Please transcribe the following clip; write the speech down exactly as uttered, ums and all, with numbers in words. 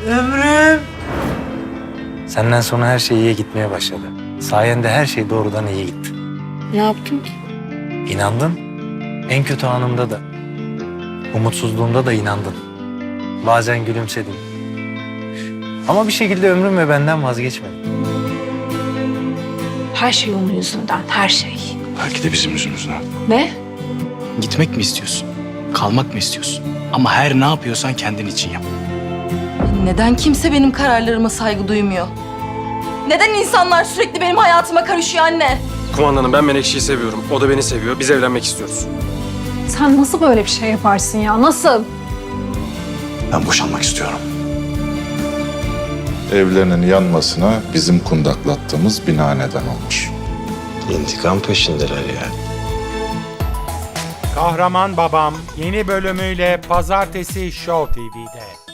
Ömrüm. Senden sonra her şey iyiye gitmeye başladı. Sayende her şey doğrudan iyi gitti. Ne yaptın ki? İnandın. En kötü anımda da, umutsuzluğumda da inandın. Bazen gülümsedin. Ama bir şekilde ömrüm ve benden vazgeçmedin. Her şey onun yüzünden, her şey. Belki de bizim yüzümüzden. Ne? Gitmek mi istiyorsun? Kalmak mı istiyorsun? Ama her ne yapıyorsan kendin için yap. Neden kimse benim kararlarıma saygı duymuyor? Neden insanlar sürekli benim hayatıma karışıyor anne? Kumandanım ben Menekşe'yi seviyorum. O da beni seviyor. Biz evlenmek istiyoruz. Sen nasıl böyle bir şey yaparsın ya? Nasıl? Ben boşanmak istiyorum. Evlerinin yanmasına bizim kundaklattığımız bina neden olmuş. İntikam peşindeler ya. Kahraman Babam yeni bölümüyle Pazartesi Show T V'de.